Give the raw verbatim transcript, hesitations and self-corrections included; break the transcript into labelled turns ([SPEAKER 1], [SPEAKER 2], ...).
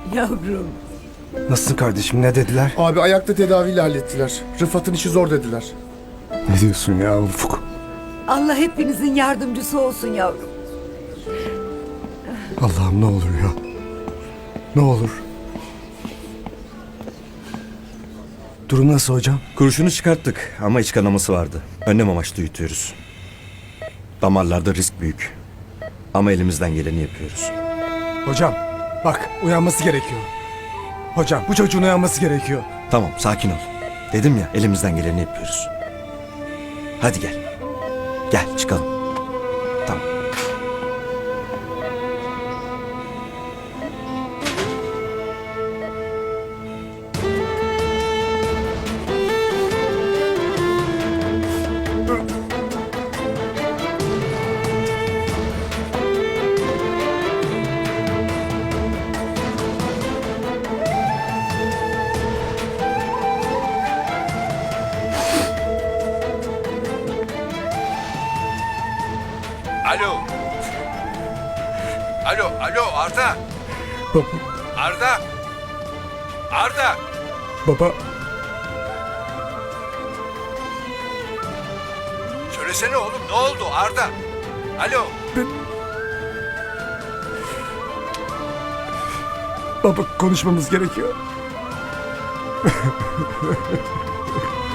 [SPEAKER 1] Yavrum.
[SPEAKER 2] Nasılsın kardeşim, ne dediler?
[SPEAKER 3] Abi ayakta tedaviyle hallettiler. Rıfat'ın işi zor dediler.
[SPEAKER 2] Ne diyorsun ya Ufuk?
[SPEAKER 1] Allah hepinizin yardımcısı olsun yavrum.
[SPEAKER 2] Allah'ım ne olur ya. Ne olur. Durum nasıl hocam?
[SPEAKER 4] Kurşunu çıkarttık ama iç kanaması vardı. Önlem amaçlı yutuyoruz. Damarlarda risk büyük. Ama elimizden geleni yapıyoruz.
[SPEAKER 2] Hocam bak, uyanması gerekiyor. Hocam bu çocuğun uyanması gerekiyor.
[SPEAKER 4] Tamam, sakin ol. Dedim ya, elimizden geleni yapıyoruz. Hadi gel. Gel çıkalım. Tamam.
[SPEAKER 5] Alo. Alo, alo Arda.
[SPEAKER 2] Baba,
[SPEAKER 5] Arda. Arda.
[SPEAKER 2] baba,
[SPEAKER 5] Söylesene oğlum, ne oldu Arda? Alo.
[SPEAKER 2] baba konuşmamız gerekiyor.